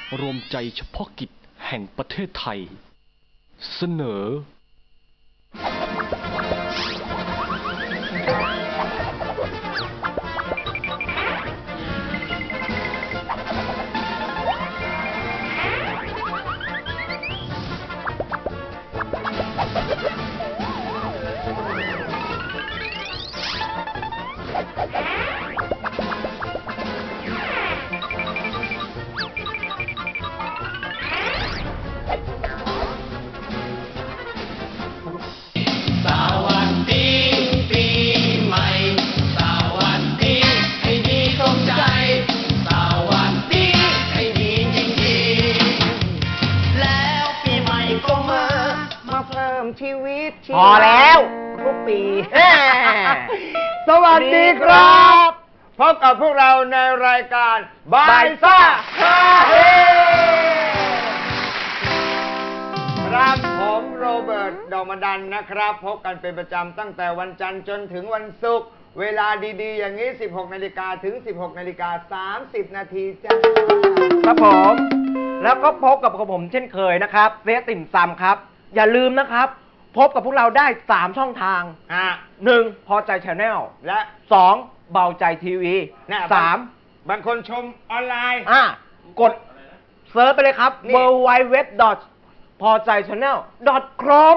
รวมใจเฉพาะกิจแห่งประเทศไทยเสนอชีวิตพอแล้วทุกปีสวัสดีครับพบกับพวกเราในรายการบายซ่าฮาเฮครับผมโรเบิร์ตดอกมดันนะครับพบกันเป็นประจำตั้งแต่วันจันทร์จนถึงวันศุกร์เวลาดีๆอย่างนี้ 16 นาฬิกาถึง 16 นาฬิกา 30 นาทีจ้าครับผมแล้วก็พบกับผมเช่นเคยนะครับเซติ่มซำครับอย่าลืมนะครับพบกับพวกเราได้3ช่องทาง1พอใจชาแนลและ2เบาใจทีวี3บางคนชมออนไลน์กดเซิร์ชไปเลยครับ www. พอใจชาแนล .com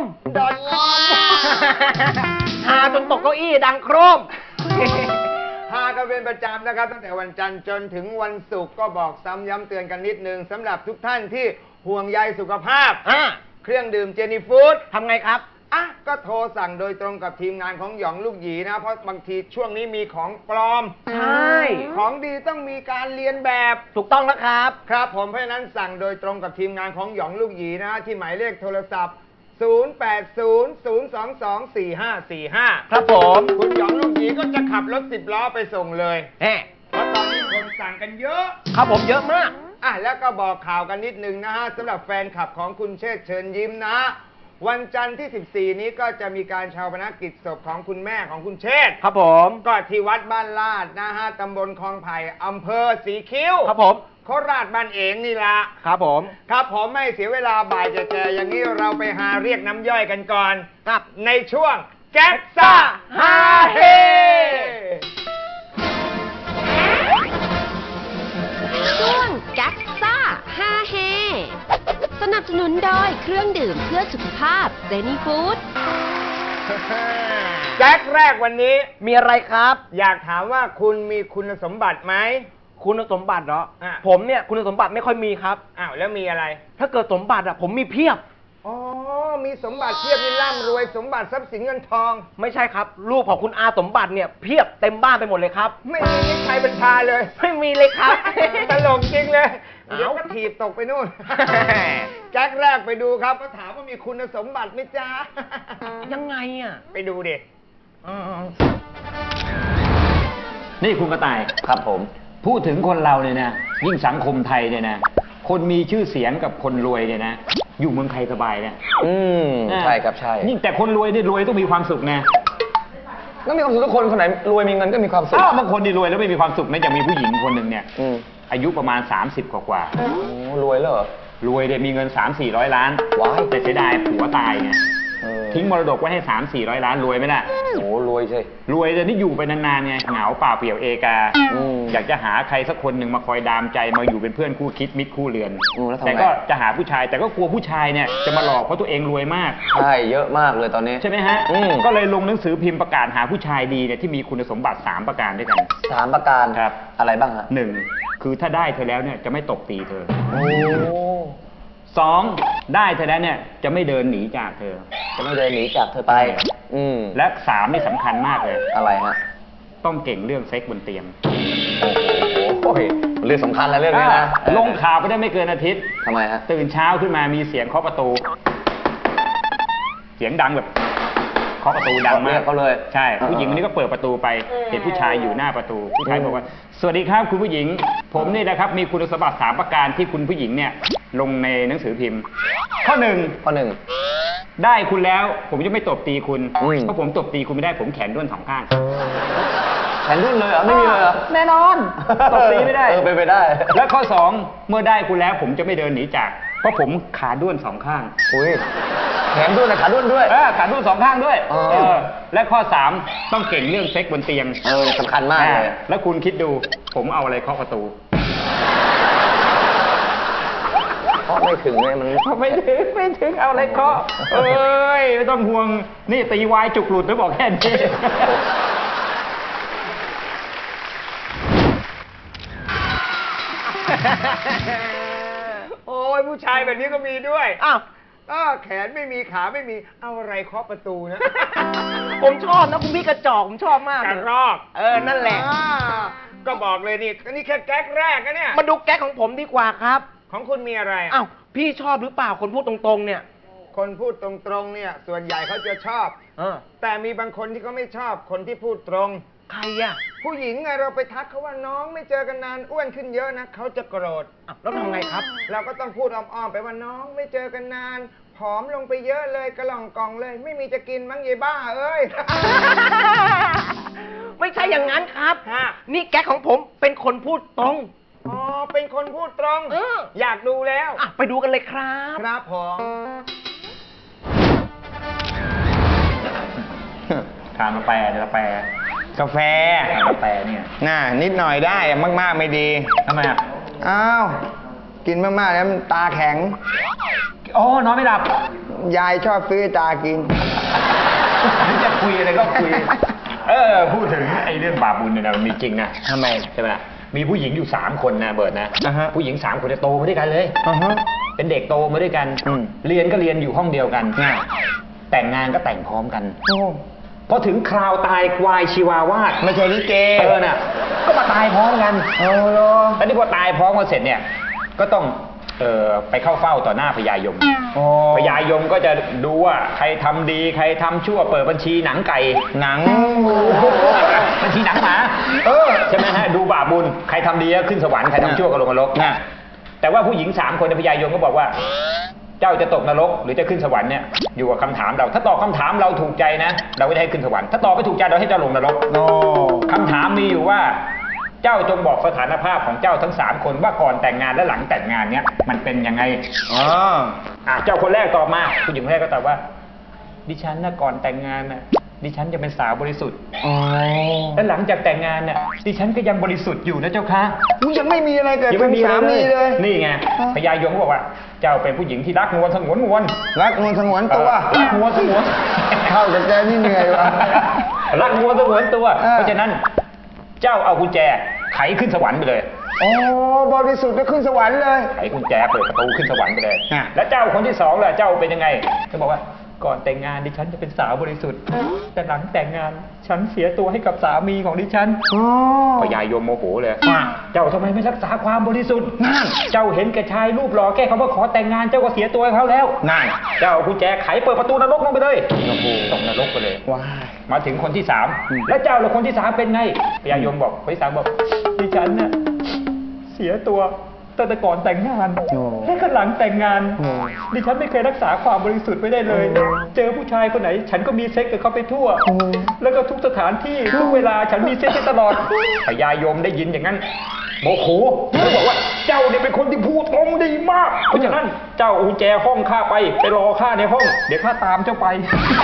หาจนตกเก้าอี้ดังโครมหากันเป็นประจำนะครับตั้งแต่วันจันทร์จนถึงวันศุกร์ก็บอกซ้ำย้ำเตือนกันนิดนึงสำหรับทุกท่านที่ห่วงใยสุขภาพเครื่องดื่มเจนี่ฟู้ดทำไงครับก็โทรสั่งโดยตรงกับทีมงานของหยองลูกหยีนะเพราะบางทีช่วงนี้มีของปลอมใช่ของดีต้องมีการเรียนแบบถูกต้องนะครับครับผมเพราะฉะนั้นสั่งโดยตรงกับทีมงานของหยองลูกหยีนะที่หมายเลขโทรศัพท์0800224545ครับผมคุณหยองลูกหยีก็จะขับรถ10 ล้อไปส่งเลยเพราะตอนนี้คนสั่งกันเยอะครับผมเยอะมากแล้วก็บอกข่าวกันนิดนึงนะฮะสำหรับแฟนคลับของคุณเชษฐ์เชิญยิ้มนะวันจันทร์ที่14นี้ก็จะมีการชาปนกิจศพของคุณแม่ของคุณเชษฐ์ครับผมก็ที่วัดบ้านลาดนะฮะตำบลคลองไผ่อำเภอสีคิ้วครับผมโคราชบ้านเองนี่ละครับผมไม่เสียเวลาบ่ายแก่ๆอย่างนี้เราไปหาเรียกน้ำย่อยกันก่อนครับในช่วงแก๊กซ่าฮาเฮช่วงแก๊กซ่าฮาเฮสนับสนุนโดยเครื่องดื่มเพื่อสุขภาพเจนี่ฟู้ดแจ็คแรกวันนี้มีอะไรครับอยากถามว่าคุณมีคุณสมบัติไหมคุณสมบัติเหรอผมเนี่ยคุณสมบัติไม่ค่อยมีครับแล้วมีอะไรถ้าเกิดสมบัติผมมีเพียบมีสมบัติเพียบนี่ร่ำรวยสมบัติทรัพย์สินเงินทองไม่ใช่ครับรูปของคุณอาสมบัติเนี่ยเพียบเต็มบ้านไปหมดเลยครับไม่มีนิสัยบัญชาเลยไม่มีเลยครับตลกจริงเลยเดี๋ยวก็ถีบตกไปนู่นแจ็คแรกไปดูครับก็ถามว่ามีคุณสมบัติไหมจ๊ะยังไงไปดูดินี่คุณกระต่ายครับผมพูดถึงคนเราเนี่ยนะยิ่งสังคมไทยเนี่ยนะคนมีชื่อเสียงกับคนรวยเนี่ยนะอยู่เมืองไทยสบายเนี่ยใช่ครับใช่ยิ่งแต่คนรวยเนี่ยรวยต้องมีความสุขนะต้องมีความสุขทุกคนคนไหนรวยมีเงินก็มีความสุขบางคนที่รวยแล้วไม่มีความสุขนะอย่างมีผู้หญิงคนหนึ่งเนี่ยอายุประมาณ30 กว่ารวยแล้วเหรอรวยเนี่ยมีเงิน300-400 ล้านแต่เสียดายผัวตายไงทิ้งมรดกไว้ให้300-400 ล้านรวยไหมล่ะโอ้รวยใช่รวยแต่นี่อยู่ไปนานๆไงเหงาเปล่าเปลี่ยวเอกาอยากจะหาใครสักคนหนึ่งมาคอยดามใจมาอยู่เป็นเพื่อนคู่คิดมิตรคู่เรือนแต่ก็จะหาผู้ชายแต่ก็กลัวผู้ชายเนี่ยจะมาหลอกเพราะตัวเองรวยมากใช่เยอะมากเลยตอนนี้ใช่ไหมฮะก็เลยลงหนังสือพิมพ์ประกาศหาผู้ชายดีเนี่ยที่มีคุณสมบัติ3 ประการด้วยกัน 3 ประการครับอะไรบ้างฮะ 1คือถ้าได้เธอแล้วเนี่ยจะไม่ตบตีเธอ2ได้เธอแล้วเนี่ยจะไม่เดินหนีจากเธอจะไม่เดินหนีจากเธอไปและ3นี่สำคัญมากเลยอะไรฮะต้องเก่งเรื่องเซ็กบนเตียงโอ้โหเรื่องสำคัญแล้วเรื่องนี้นะลงข่าวไปได้ไม่เกินอาทิตย์ทำไมฮะตื่นเช้าขึ้นมามีเสียงเคาะประตูเสียงดังแบบเคาะประตูดังมากเขาเลยใช่ผู้หญิงคนนี้ก็เปิดประตูไปเห็นผู้ชายอยู่หน้าประตูผู้ชายบอกว่าสวัสดีครับคุณผู้หญิงผมนี่นะครับมีคุณสมบัติ3 ประการที่คุณผู้หญิงเนี่ยลงในหนังสือพิมพ์ข้อ 1ได้คุณแล้วผมจะไม่ตบตีคุณเพราะผมตบตีคุณไม่ได้ผมแขนด้วน2 ข้างแขนรุ่นเลยเหรอไม่มีเลยเหรอแน่นอนตบตีไม่ได้เป็นไปได้และข้อ 2 เมื่อได้คุณแล้วผมจะไม่เดินหนีจาก เพราะผมขาด้วน2 ข้างอุ้ยแขนรุ่นนะขารุ่นด้วยขาด้วน2 ข้างด้วยอ๋อและข้อ 3 ต้องเก่งเรื่องเซ็กบนเตียงสำคัญมากเลยแล้วคุณคิดดูผมเอาอะไรเคาะประตูเพราะไม่ถึงเลยมันไม่ถึงเอาอะไรเคาะเอ้ยไม่ต้องห่วงนี่ตีวายจุกหลุดแล้วบอกแค่นี้โอ้ยผู้ชายแบบนี้ก็มีด้วยอ้าวแขนไม่มีขาไม่มีเอาอะไรเคาะประตูนะผมชอบนะคุณพี่กระจอกผมชอบมากกระรอกนั่นแหละก็บอกเลยนี่แค่แก๊กแรกนะเนี่ยมาดูแก๊กของผมดีกว่าครับของคุณมีอะไรอ้าวพี่ชอบหรือเปล่าคนพูดตรงๆเนี่ยคนพูดตรงๆเนี่ยส่วนใหญ่เขาจะชอบ แต่มีบางคนที่เขาไม่ชอบคนที่พูดตรงใครอ่ะผู้หญิงไงเราไปทักเขาว่าน้องไม่เจอกันนานอ้วนขึ้นเยอะนะเขาจะโกรธอ้าวแล้วทำไงครับเราก็ต้องพูดอ้อมๆไปว่าน้องไม่เจอกันนาน ผอมลงไปเยอะเลยกระหล่องกล่องเลย ไม่มีจะกินมั้งยายบ้าเอ้ยไม่ใช่อย่างนั้นครับฮะนี่แก๊กของผมเป็นคนพูดตรงอ๋อเป็นคนพูดตรง อยากดูแล้วอ่ะไปดูกันเลยครับครับผมทานกาแฟกาแฟกาแฟเนี่ยน่านิดหน่อยได้มากๆไม่ดีทำไมอ่ะอ้าวกินมากๆแล้วมันตาแข็งอ๋อนอนไม่หลับยายชอบซื้อให้ตากินจะคุยอะไรก็คุย พูดถึงไอ้เรื่องบาปบุญเนี่ยนะมันมีจริงนะทำไมใช่ไหมล่ะมีผู้หญิงอยู่3 คนนะเบิร์ดนะอ่าฮะผู้หญิง3 คนจะโตมาด้วยกันเลย เป็นเด็กโตมาด้วยกันอืมเรียนก็เรียนอยู่ห้องเดียวกันง่ายแต่งงานก็แต่งพร้อมกันโอ้พอถึงคราวตายควายชีวาวาดไม่ใช่ลิเกน่ะก็มาตายพร้อมกันโอ้โหแล้วนี่พอตายพร้อมกันเสร็จเนี่ยก็ต้องไปเข้าเฝ้าต่อหน้าพญายมโอ้พญายมก็จะดูว่าใครทำดีใครทำชั่วเปิดบัญชีหนังไก่หนังบัญชีหนังหมาใช่ไหมฮะดูบาปบุญใครทำดีก็ขึ้นสวรรค์ใครทำชั่วก็ลงนรกน่ะแต่ว่าผู้หญิง3 คนในพญายมก็บอกว่า เจ้าจะตกนรกหรือจะขึ้นสวรรค์เนี่ยอยู่กับคำถามเราถ้าตอบคำถามเราถูกใจนะ เราก็จะให้ขึ้นสวรรค์ถ้าตอบไม่ถูกใจเราให้เจ้าลงนรกโอ้คำถามมีอยู่ว่า เจ้าจงบอกสถานภาพของเจ้าทั้ง3 คนว่าก่อนแต่งงานและหลังแต่งงานเนี่ยมันเป็นยังไง เจ้าคนแรกตอบมาผู้หญิงคนแรกก็ตอบว่า ดิฉันนะก่อนแต่งงานน่ะดิฉันจะเป็นสาวบริสุทธิ์และหลังจากแต่งงานน่ะดิฉันก็ยังบริสุทธิ์อยู่นะเจ้าค่ะยังไม่มีอะไรเกิดยังขึ้ไม่นมีสามีเลยนี่ไงพญายมก็บอกว่า เจ้าเป็นผู้หญิงที่รักนวลสงวนนวลรักนวลสงวนตัวรักนวลสงวนเข้ากับแกนี่เหนื่อยว่ะรักนวลสงวนตัวเออเพราะฉะนั้นเจ้าเอากุญแจไขขึ้นสวรรค์ไปเลยโอ้บริสุทธิ์ก็ขึ้นสวรรค์เลยไขกุญแจเปิดประตูขึ้นสวรรค์ไปเลยอ่ะแล้วเจ้าคนที่2ล่ะเจ้าเป็นยังไงเขาบอกว่าก่อนแต่งงานดิฉันจะเป็นสาวบริสุทธิ์ แต่หลังแต่งงานฉันเสียตัวให้กับสามีของดิฉันพญายมโมโหเลย เจ้าทำไมไม่รักษาความบริสุทธิ์เจ้าเห็นแก่ชายรูปหล่อแค่คำว่าขอแต่งงานเจ้าก็เสียตัวให้เขาแล้วนั่นเจ้าเอากุญแจไขเปิดประตูนรกลงไปเลยตกนรกไปเลยว้ายมาถึงคนที่3แล้วเจ้าล่ะคนที่3เป็นไงพญายมบอกคนที่3บอกดิฉันน่ะเสียตัวตั้งแต่ก่อนแต่งงานและก็หลังแต่งงานดิฉันไม่เคยรักษาความบริสุทธิ์ไว้ได้เลย เจอผู้ชายคนไหน ฉันก็มีเซ็กกับเขาไปทั่ว แล้วก็ทุกสถานที่ทุกเวลาฉันมีเซ็กได้ตลอดพญายมได้ยินอย่างนั้นโมโหแล้วบอกว่าเจ้าเนี่ยเป็นคนที่พูดตรงดีมากเพราะฉะนั้นเจ้าเอากุญแจห้องข้าไปรอข้าในห้องเดี๋ยวข้าตามเจ้าไป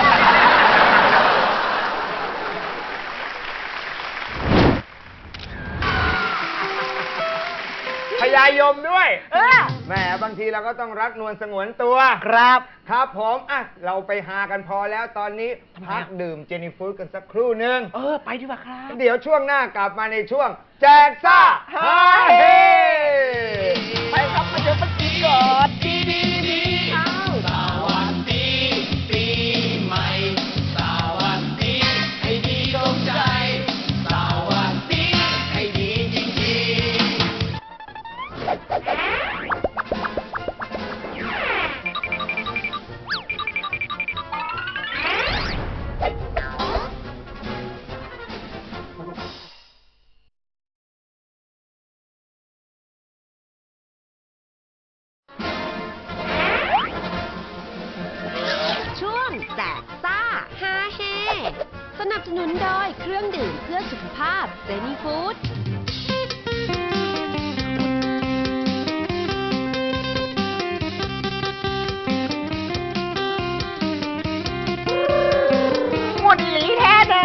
พญายมด้วยแหมบางทีเราก็ต้องรักนวลสงวนตัวครับครับผมเราไปหากันพอแล้วตอนนี้พักดื่มเจนี่ฟูดกันสักครู่หนึ่งไปดีกว่าครับเดี๋ยวช่วงหน้ากลับมาในช่วง แจกซ่าฮาเฮไปครับมาเจอปักกี้ก่อนเครื่องดื่มเพื่อสุขภาพเจนี่ฟู้ดหมดอีหลีแท้นะ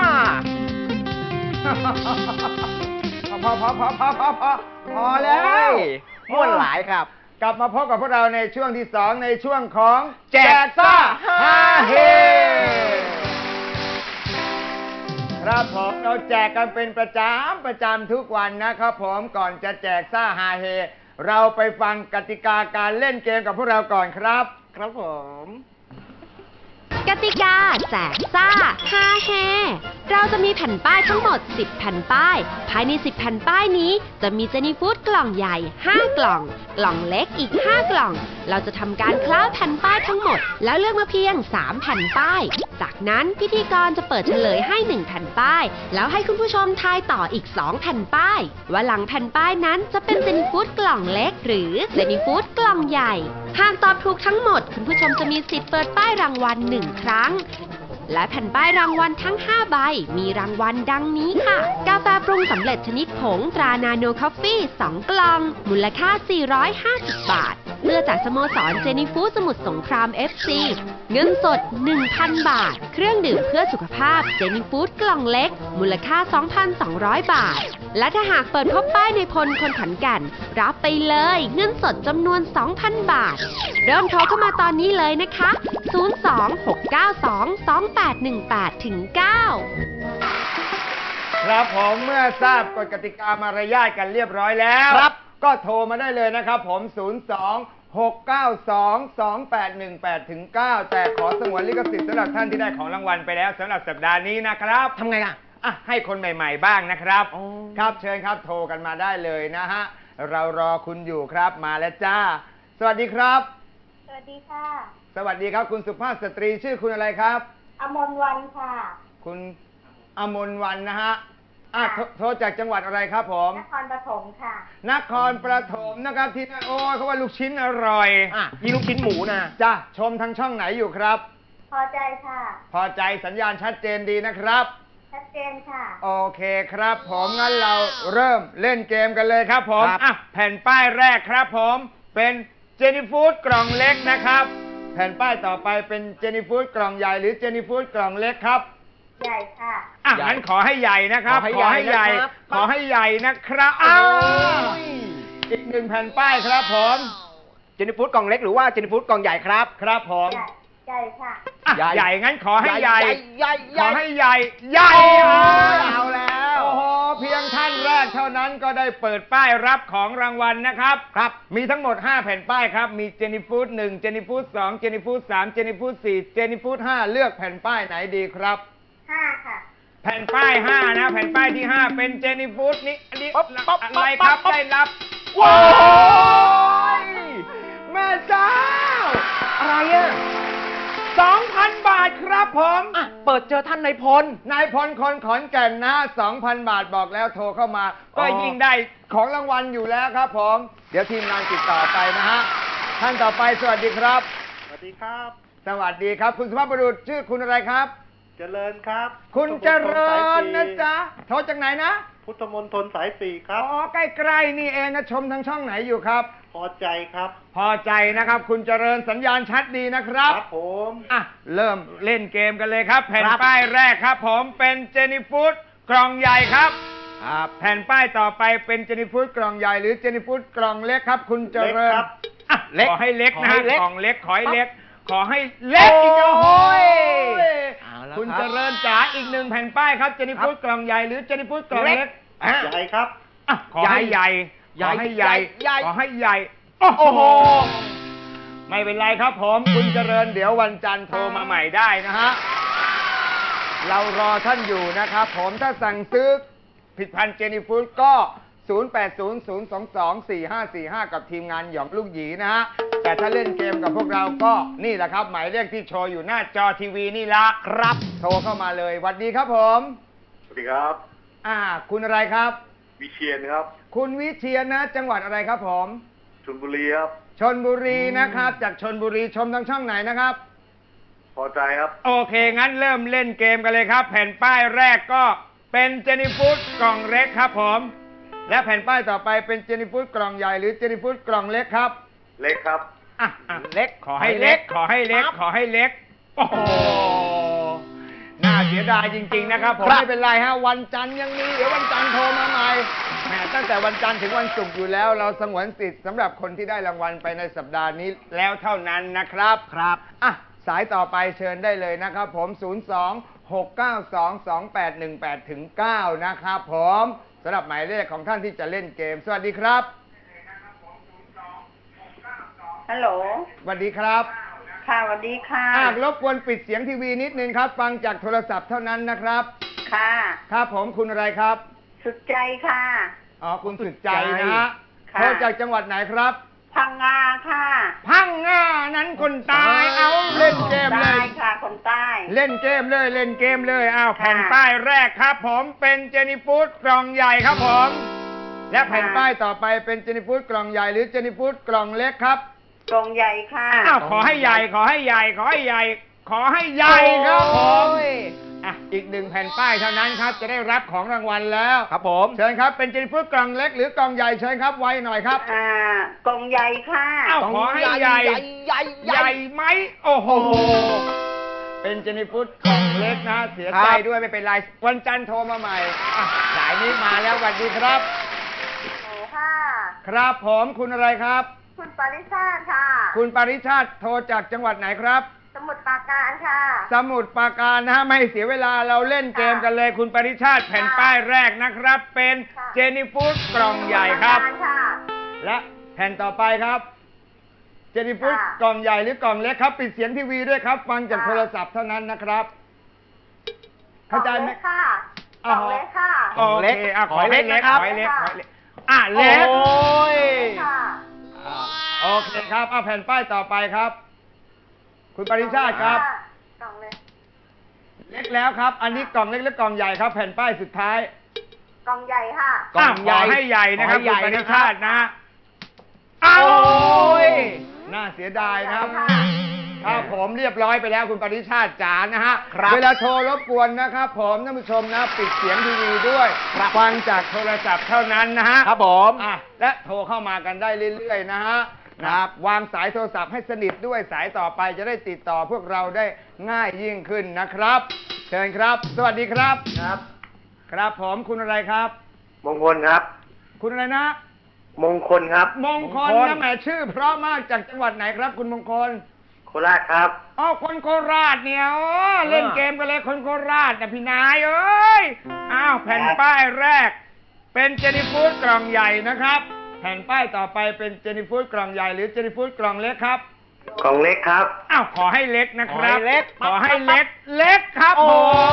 พอแล้วม่วนหลายครับกลับมาพบกับพวกเราในช่วงที่ 2ในช่วงของแจกซ่าฮาเฮครับผมเราแจกกันเป็นประจำทุกวันนะครับผมก่อนจะแจกซ่าฮาเฮเราไปฟังกติกาการเล่นเกมกับพวกเราก่อนครับครับผมกติกาแจกซ่าฮาแฮเราจะมีแผ่นป้ายทั้งหมด 10 แผ่นป้าย ภายใน 10 แผ่นป้ายนี้จะมีเจนี่ฟู้ดกล่องใหญ่ 5 กล่อง กล่องเล็กอีก 5 กล่อง เราจะทำการคล้าแผ่นป้ายทั้งหมด แล้วเลือกมาเพียง 3 แผ่นป้าย จากนั้นพิธีกรจะเปิดเฉลยให้ 1 แผ่นป้าย แล้วให้คุณผู้ชมทายต่ออีก 2 แผ่นป้าย ว่าหลังแผ่นป้ายนั้นจะเป็นเจนี่ฟู้ดกล่องเล็ก หรือเจนี่ฟู้ดกล่องใหญ่หากตอบถูกทั้งหมดคุณผู้ชมจะมีสิทธิ์เปิดป้ายรางวัล1 ครั้ง และแผ่นป้ายรางวัลทั้ง 5 ใบ มีรางวัลดังนี้ค่ะ กาแฟปรุงสำเร็จชนิดผงตรานาโนคอฟฟี่2 กล่อง มูลค่า 450 บาทเสื้อจากสโมสรเจนี่ฟู้ดสมุทรสงคราม FC เงินสด 1,000 บาท เครื่องดื่มเพื่อสุขภาพเจนี่ฟู้ดกล่องเล็ก มูลค่า 2,200 บาท และถ้าหากเปิดพบป้ายในพลคนขอนแก่นรับไปเลยเงินสดจำนวน 2,000 บาท เริ่มโทรเข้ามาตอนนี้เลยนะคะ 026922818-9 ครับผมเมื่อทราบกฎกติกามารยาทกันเรียบร้อยแล้วครับก็โทรมาได้เลยนะครับผม 026922818-9 แต่ขอสงวนลิขสิทธิ์สำหรับท่านที่ได้ของรางวัลไปแล้วสำหรับสัปดาห์นี้นะครับทำไงอ่ะอ่ะให้คนใหม่ๆบ้างนะครับอ๋อครับเชิญครับโทรกันมาได้เลยนะฮะเรารอคุณอยู่ครับมาแล้วจ้า สวัสดีครับสวัสดีค่ะสวัสดีครับคุณสุภาพสตรีชื่อคุณอะไรครับอมรวันค่ะคุณอมรวรรณนะฮะโทรจากจังหวัดอะไรครับผมนครปฐมค่ะนครปฐมนะครับที่นั่นโอ้ยเขาว่าลูกชิ้นอร่อยอ่ะมีลูกชิ้นหมูนะจ้าชมทางช่องไหนอยู่ครับพอใจค่ะพอใจสัญญาณชัดเจนดีนะครับชัดเจนค่ะโอเคครับผมงั้นเราเริ่มเล่นเกมกันเลยครับผมครับอ่ะแผ่นป้ายแรกครับผมเป็นเจนี่ฟู้ดกล่องเล็กนะครับ แผ่นป้ายต่อไปเป็นเจนี่ฟู้ดกล่องใหญ่หรือเจนี่ฟู้ดกล่องเล็กครับใหญ่ค่ะอ่ะใหญ่งั้นขอให้ใหญ่นะครับขอให้ใหญ่นะครับขอให้ใหญ่นะครับอ้าวอีกหนึ่งแผ่นป้ายครับผมเจนี่ฟู้ดกล่องเล็กหรือว่าเจนี่ฟู้ดกล่องใหญ่ครับครับผมใหญ่ ใหญ่ค่ะอ่ะใหญ่ใหญ่งั้นขอให้ใหญ่ใหญ่ขอให้ใหญ่ใหญ่เอาแล้วโอ้โหเพียงท่านแรกเท่านั้นก็ได้เปิดป้ายรับของรางวัลนะครับครับมีทั้งหมด 5 แผ่นป้ายครับมีเจนี่ฟู้ด1เจนี่ฟู้ด2เจนี่ฟู้ด3เจนี่ฟู้ด4เจนี่ฟู้ด5เลือกแผ่นป้ายไหนดีครับ 5 ค่ะแผ่นป้าย 5 นะ แผ่นป้ายที่ 5 เป็นเจนี่ฟู้ดนี่อันนี้ปั๊บปั๊บอะไรครับปั๊บได้รับว้าวแม่เจ้าอะไรอ่ะ 2,000 บาทครับผมอ่ะเปิดเจอท่านนายพลนายพลคนขอนแก่นนะ 2,000 บาทบอกแล้วโทรเข้ามา ก็อ๋อยิ่งได้ของรางวัลอยู่แล้วครับผม เดี๋ยวทีมงานติดต่อไปนะฮะ ท่านต่อไปสวัสดีครับสวัสดีครับสวัสดีครับ คุณสุภาพบุรุษชื่อคุณอะไรครับเจริญครับคุณเจริญนะพุทธมณฑลสายจ๊ะ โทรจากไหนนะพุทธมณฑลสายสี่ครับอ๋อ ใกล้ๆนี่เองนะ ชมทางช่องไหนอยู่ครับพอใจครับพอใจนะครับ คุณเจริญสัญญาณชัดดีนะครับครับผมอ่ะ เริ่มเล่นเกมกันเลยครับ แผ่นครับป้ายแรกครับผมเป็นเจนี่ฟู้ดกล่องใหญ่ครับ แผ่นป้ายต่อไปเป็นเจนี่ฟู้ดกล่องใหญ่หรือเจนี่ฟู้ดกล่องเล็กครับ คุณเจริญเล็กครับอ่ะเล็กขอให้เล็กนะขอให้ฮะเล็กกล่องเล็กขอให้เล็ก ขอให้เล็กอีกโอ้โอ้ยเอาละคุณครับเจริญจ๋าอีกหนึ่งแผ่นป้ายครับเจนี่ฟู้ดกล่องใหญ่หรือเจนี่ฟู้ดกล่องเล็กอ่ะใหญ่ครับอ่ะขอให้ใหญ่ใหญ่ขอให้ใหญ่ใหญ่ขอให้ใหญ่ โอ้โห ไม่เป็นไรครับผม คุณเจริญเดี๋ยววันจันทร์โทรมาใหม่ได้นะฮะ เรารอท่านอยู่นะครับผมถ้าสั่งซื้อผลิตภัณฑ์เจนี่ฟู้ดก็ 0800224545 กับทีมงานหยองลูกหยีนะฮะ แต่ถ้าเล่นเกมกับพวกเราก็นี่แหละครับ หมายเลขที่โชว์อยู่หน้าจอทีวีนี่ละครับ โทรเข้ามาเลยสวัสดีครับผมสวัสดีครับคุณอะไรครับวิเชียนครับคุณวิเชียรนะ จังหวัดอะไรครับผมชลบุรีครับชนบุรีนะครับ จากชนบุรีชมทางช่องไหนนะครับพอใจครับโอเค งั้นเริ่มเล่นเกมกันเลยครับ แผ่นป้ายแรกก็เป็นเจนี่ฟู้ดกล่องเล็กครับผม และแผ่นป้ายต่อไปเป็นเจนี่ฟู้ดกล่องใหญ่หรือเจนี่ฟู้ดกล่องเล็กครับเล็กครับอ่ะเล็กขอให้เล็ก ขอให้เล็ก ขอให้เล็ก โอ้โหน่าเสียดายจริงๆนะครับผมไม่เป็นไรฮะวันจันทร์ยังมีเดี๋ยววันจันทร์โทรมาใหม่แหมตั้งแต่วันจันทร์ถึงวันศุกร์อยู่แล้ว เราสงวนสิทธิ์สำหรับคนที่ได้รางวัลไปในสัปดาห์นี้แล้วเท่านั้นนะครับครับอ่ะสายต่อไปเชิญได้เลยนะครับผม 02-692-2818ถึง9นะครับผมสำหรับหมายเลขของท่านที่จะเล่นเกมสวัสดีครับฮัลโหลสวัสดีครับค่ะสวัสดีค่ะรบกวนปิดเสียงทีวีนิดนึงครับ ฟังจากโทรศัพท์เท่านั้นนะครับค่ะครับผมคุณอะไรครับสุดใจค่ะอ๋อคุณสุดใจนะฮะค่ะโทรจากจังหวัดไหนครับพังงาค่ะพังงานั้นคนตายเอาเล่นเกมเลใต้ยค่ะ คนใต้เล่นเกมเลยเล่นเกมเลยอ้าวค่ะแผ่นป้ายแรกครับ ผมเป็นเจนี่ฟู้ดกล่องใหญ่ครับผม และแผ่นป้ายต่อไปเป็นเจนี่ฟู้ดกล่องใหญ่หรือเจนี่ฟู้ดกล่องเล็กครับกรงใหญ่ค่ะอ้าวขอให้ใหญ่ขอให้ใหญ่ขอให้ใหญ่ขอให้ใหญ่ครับผมอ่ะอีกหนึ่งแผ่นป้ายเท่านั้นครับจะได้รับของรางวัลแล้วครับผมเชิญครับเป็นเจนี่ฟู้ดกล่องเล็กหรือกล่องใหญ่เชิญครับไวหน่อยครับกรงใหญ่ค่ะอ้าวขอให้ใหญ่ใหญ่ไหมโอ้โหเป็นเจนี่ฟู้ดกล่องเล็กนะเสียใจด้วยไม่เป็นไรวันจันทร์โทรมาใหม่อ่ะสายนี้มาแล้วสวัสดีครับโอ้ค่ะครับผมคุณอะไรครับคุณปริชาติค่ะคุณปริชาติโทรจากจังหวัดไหนครับสมุทรปราการค่ะสมุทรปราการนะฮะไม่ให้เสียเวลาเราเล่นเกมกันเลยคุณปริชาติแผ่นป้ายแรกนะครับ เป็นค่ะเจนี่ฟู้ดกล่องใหญ่ครับค่ะและแผ่นต่อไปครับเจนี่ฟู้ดค่ะกล่องใหญ่หรือกล่องเล็กครับปิดเสียงทีวีด้วยครับฟังจากค่ะโทรศัพท์เท่านั้นนะครับ เข้าใจไหมกล่องเล็กค่ะกล่องเล็กค่ะโอเคอ่ะขอให้เล็กขอขอให้ให้เล็เล็กกขอค่ะให้เล็กอ่ะเล็กค่ะโอเคครับเอาแผ่นป้ายต่อไปครับ คุณปริชาติครับกล่องเล็กเล็กแล้วครับ อันนี้กล่องเล็กและกล่องใหญ่ครับ แผ่นป้ายสุดท้ายกล่องใหญ่ค่ะขอให้ใหญ่นะครับขอให้ใหญ่คุณปนะณิครับชาตินะเอาโอ้ยน่าเสียดายนะครับค่ะครับผมเรียบร้อยไปแล้วคุณปณิชาติจ๋านะฮะครับเวลาโทรรบกวนนะครับผมท่านผู้ชมนะปิดเสียงทีวีด้วยฟังจากโทรศัพท์เท่านั้นนะฮะครับผมอ่ะและโทรเข้ามากันได้เรื่อยๆนะฮะครับวางสายโทรศัพท์ให้สนิทด้วยสายต่อไปจะได้ติดต่อพวกเราได้ง่ายยิ่งขึ้นนะครับเชิญครับ สวัสดีครับครับครับผมคุณอะไรครับมงคลครับคุณอะไรนะมงคลครับมงคลนะแหมชื่อเพราะมากจากจังหวัดไหนครับ คุณมงคลโคราชครับอ๋อคนโคราชเนี่ยอ๋อเล่นเกมกันเลยคนโคราชนะพี่นายเอ้ยอ้าวแผ่นป้ายแรก เป็นเจนี่ฟู้ดกล่องใหญ่นะครับ แผ่นป้ายต่อไปเป็นเจนี่ฟู้ดกล่องใหญ่หรือเจนี่ฟู้ดกล่องเล็กครับกล่องเล็กครับอ้าวขอให้เล็กนะครับขอให้เล็กขอให้เล็กเล็กครับโอ้ผม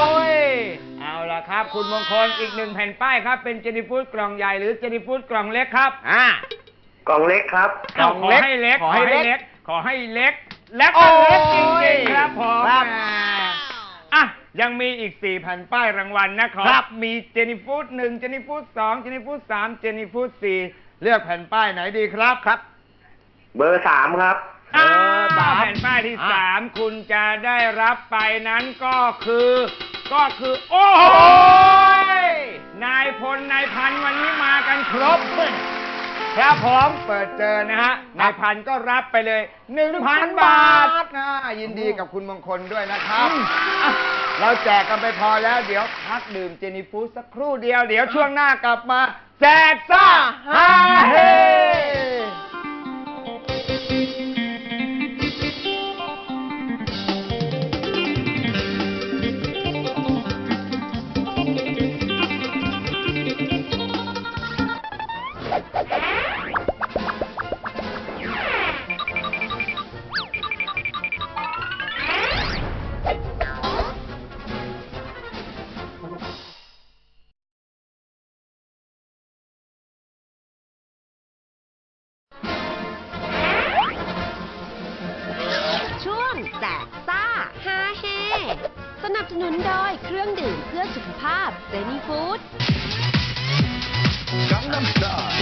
ยเอาล่ะครับ คุณมงคลอีกหนึ่งแผ่นป้ายครับเป็นเจนี่ฟู้ดกล่องใหญ่หรือเจนี่ฟู้ดกล่องเล็กครับกล่องเล็กครับขอให้เล็กขอให้เล็กขอให้เล็ก และก็เล็กจริงๆครับผมครับอ่ะยังมีอีก4แผ่นป้ายรางวัลนะครับ มีเจนี่ฟู้ด1เจนี่ฟู้ด2เจนี่ฟู้ด3เจนี่ฟู้ด4เลือกแผ่นป้ายไหนดีครับครับเบอร์ 3 ครับแผ่นป้ายที่3คุณจะได้รับไปนั้นก็คือ โอ้โหนายพลนายพันวันนี้มากันครบครับผมเปิดเจอนะฮะนายพันก็รับไปเลย 1,000 บาทนะยินดีกับคุณมงคลด้วยนะครับอ่ะเราแจกกันไปพอแล้วเดี๋ยวพักดื่มเจนี่ฟู้ดสักครู่เดียวเดี๋ยวช่วงหน้ากลับมาแจกซ่าฮาเฮช่วงแจกซ่าฮาเฮสนับสนุนโดยเครื่องดื่มเพื่อสุขภาพเจนี่ฟู้ด Gangnam Style.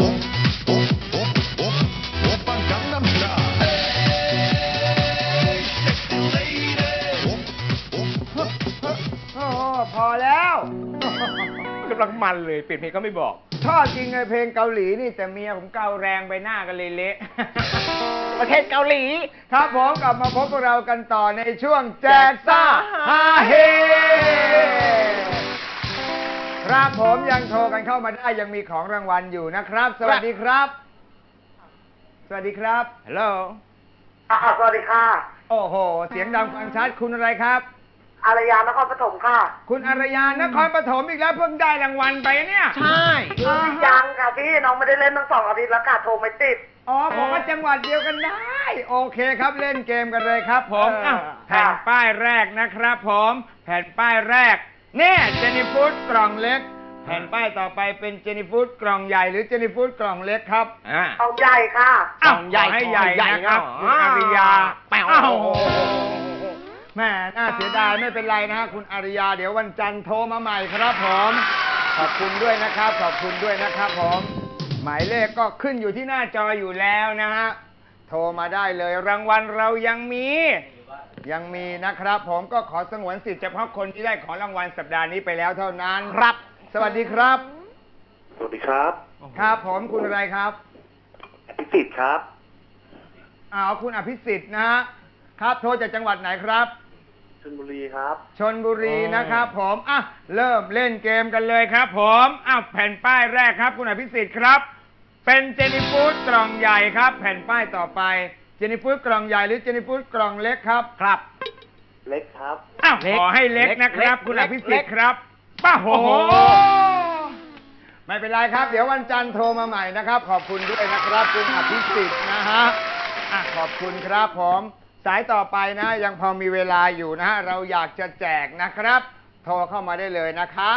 Oppa Gangnam Style. Hey, sexy lady. ำลังมันเลยเปลี่ยนเพลงก็ไม่บอกชอบจริงไงเพลงเกาหลีนี่แต่เมียผมเกาแรงไปหน้ากันเลยเละประเทศเกาหลีครับผมกลับมาพบกับเรากันต่อในช่วงแจกซ่าฮาเฮครับผมยังโทรกันเข้ามาได้ยังมีของรางวัลอยู่นะครับ สวัสดีครับ สวัสดีครับฮัลโหลสวัสดีค่ะโอ้โห เสียงดังฟังชัดคุณอะไรครับอารยานครปฐมค่ะคุณอารยานครปฐมอีกแล้วเพิ่งได้รางวัลไปเนี่ยใช่ยังค่ะพี่น้องไม่ได้เล่นตั้ง2 อาทิตย์แล้วค่ะโทรไม่ติดอ๋อผมว่าจังหวัดเดียวกันได้ โอเคครับเล่นเกมกันเลยครับผมเอออ่ะแผ่นป้ายแรกนะครับผมแผ่นป้ายแรกเนี่ยเจนี่ฟูดกล่องเล็ก แผ่นป้ายต่อไปเป็นเจนี่ฟูดกล่องใหญ่หรือเจนี่ฟูดกล่องเล็กครับกล่องใหญ่ค่ะอ้าวกล่องใหญ่ขอให้ใหญ่ใหญ่นะครับเนอะคุณอาริยาแป๋วอ้าวแม่น่าเสียดายไม่เป็นไรนะฮะคุณอาริยาเดี๋ยววันจันทร์โทรมาใหม่ครับผมขอบคุณด้วยนะครับขอบคุณด้วยนะครับผมหมายเลขก็ขึ้นอยู่ที่หน้าจออยู่แล้วนะฮะโทรมาได้เลยรางวัลเรายังมีนะครับ ผมก็ขอสงวนสิทธิ์เฉพาะคนที่ได้ของรางวัลสัปดาห์นี้ไปแล้วเท่านั้นครับ สวัสดีครับสวัสดีครับครับผมคุณอะไรครับพิสิทธิ์ครับคุณอภิสิทธิ์นะฮะครับโทรจากจังหวัดไหนครับชลบุรีครับชนบุรีนะครับผมเริ่มเล่นเกมกันเลยครับผมแผ่นป้ายแรกครับคุณอภิสิทธิ์ครับเป็นเจนี่ฟูดกล่องใหญ่ครับแผ่นป้ายต่อไปเจนี่ฟูดกล่องใหญ่หรือเจนี่ฟูดกล่องเล็กครับครับเล็กครับขอให้เล็กนะครับคุณอภิสิทธิ์ครับป้าโหไม่เป็นไรครับเดี๋ยววันจันทร์โทรมาใหม่นะครับขอบคุณด้วยนะครับคุณอภิสิทธิ์นะฮะขอบคุณครับผมสายต่อไปนะยังพอมีเวลาอยู่นะฮะเราอยากจะแจกนะครับ โทรเข้ามาได้เลยนะคะ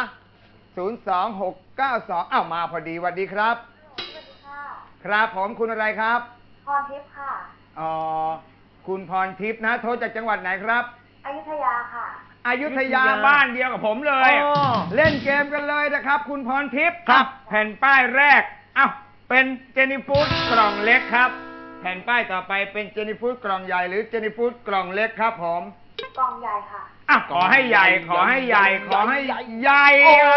02692มาพอดีสวัสดีครับสวัสดีค่ะครับผมคุณอะไรครับพรทิพย์ค่ะคุณพรทิพย์นะโทรจากจังหวัดไหนครับอยุธยาค่ะอยุธยาบ้านเดียวกับผมเลย เล่นเกมกันเลยนะครับ คุณพรทิพย์ครับแผ่นป้ายแรกเป็นเจนี่ฟูดกล่องเล็กครับแผ่นป้ายต่อไปเป็นเจนี่ฟูดกล่องใหญ่หรือเจนี่ฟูดกล่องเล็กครับผมกล่องใหญ่ค่ะขอให้ใหญ่ขอให้ใหญ่ขอให้ใหญ่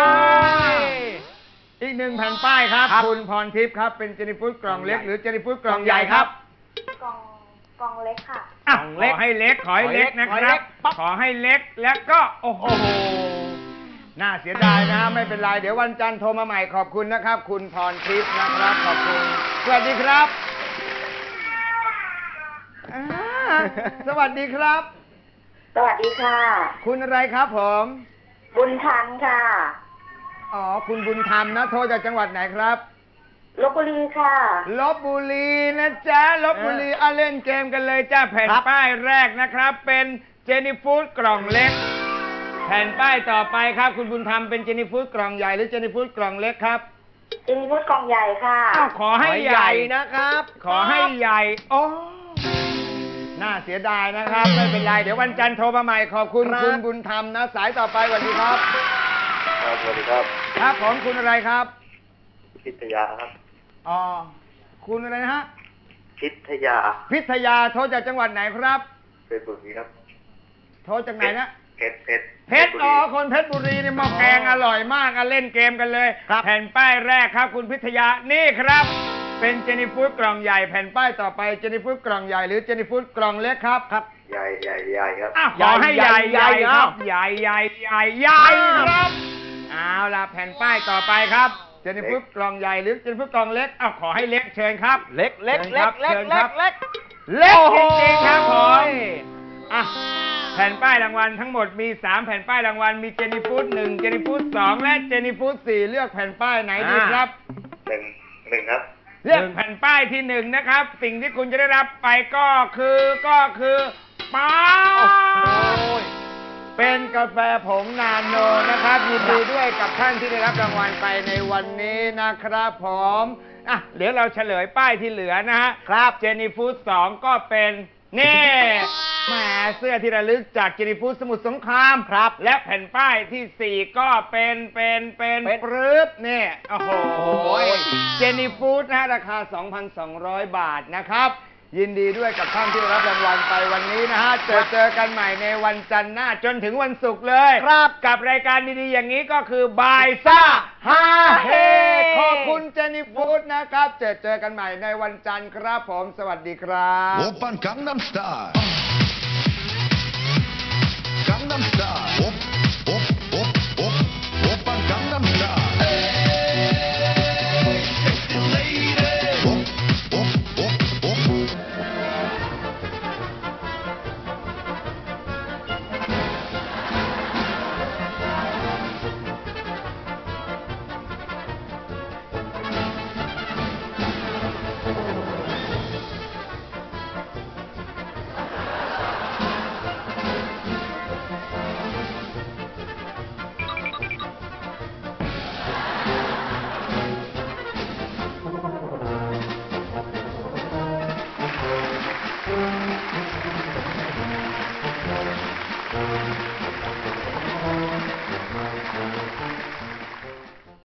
อีกหนึ่งแผ่นป้ายครับคุณพรทิพย์ครับเป็นเจนี่ฟูดกล่องเล็กหรือเจนี่ฟูดกล่องใหญ่ครับกล่องเล็กค่ะขอให้เล็กขอให้เล็กนะครับขอให้เล็กแล้วก็โอ้โหน่าเสียดายนะไม่เป็นไรเดี๋ยววันจันทร์โทรมาใหม่ขอบคุณนะครับ คุณพรทิพย์นะครับขอบคุณสวัสดีครับสวัสดีครับสวัสดีค่ะคุณอะไรครับผมบุญทันค่ะคุณบุญธรรมนะโทรจากจังหวัดไหนครับลพบุรีค่ะลพบุรีนะจ๊ะลพบุรีเล่นเกมกันเลยจ้าแผ่นป้ายแรกนะครับเป็นเจนี่ฟูดกล่องเล็กแผ่นป้ายต่อไปครับคุณบุญธรรมเป็นเจนี่ฟูดกล่องใหญ่หรือเจนี่ฟูดกล่องเล็กครับเจนี่ฟูดกล่องใหญ่ค่ะขอให้ใหญ่นะครับขอให้ใหญ่น่าเสียดายนะครับไม่เป็นไรเดี๋ยววันจันทร์โทรมาใหม่ขอบคุณคุณบุญธรรมนะสายต่อไปสวัสดีครับสวัสดีครับครับผมคุณอะไรครับพิทยาครับคุณอะไรนะฮะพิทยาพิทยาโทรจากจังหวัดไหนครับเพชรบุรีครับโทรจากไหนนะเพชรเพชรคนเพชรบุรีนี่หม้อแกงอร่อยมากเล่นเกมกันเลยแผ่นป้ายแรกครับคุณพิทยานี่ครับเป็นเจนี่ฟูดกล่องใหญ่แผ่นป้ายต่อไปเจนี่ฟูดกล่องใหญ่หรือเจนี่ฟูดกล่องเล็กครับครับใหญ่ครับขอให้ใหญ่ครับใหญ่ครับเอาล่ะแผ่นป้ายต่อไปครับเจนี่ฟูดกล่องใหญ่หรือเจนี่ฟูดกล่องเล็กขอให้เล็กเชิญครับเล็กเล็กเล็กเล็กเชิญเล็ครักบเล็กเล็กจริงๆครับผมแผ่นป้ายรางวัลทั้งหมดมี3แผ่นป้ายรางวัลมีเจนี่ฟูด1เจนี่ฟูด2และเจนี่ฟูด4เลือกแผ่นป้ายไหนดีครับหนึ่งครับเลือกแผ่นป้ายที่1นะครับสิ่งที่คุณจะได้รับไปก็คือป้าเป็นกาแฟผงนาโนนะครับยินดีด้วยกับท่านที่ได้รับรางวัลไปในวันนี้นะครับผมเดี๋ยวเราเฉลยป้ายที่เหลือนะฮะครับเจนี่ฟูด2ก็เป็นนี่แหมเสื้อที่ระลึกจากเจนี่ฟูดสมุทรสงครามครับและแผ่นป้ายที่4ก็เป็นปรึ๊บนี่โอ้โหเจนี่ฟูดนะราคา 2,200 บาทนะครับยินดีด้วยกับท่านที่ได้รับรางวัลไปวันนี้นะฮะเจอกันใหม่ในวันจันทร์หน้าจนถึงวันศุกร์เลยครับกับรายการดีๆอย่างนี้ก็คือบายซ่าฮาเฮขอบคุณเจนี่ฟูดนะครับเจอกันใหม่ในวันจันทร์ครับผมสวัสดีครับ 오빤 강남스타일 강남스타일 오빤 강남스타일 섹시 레이디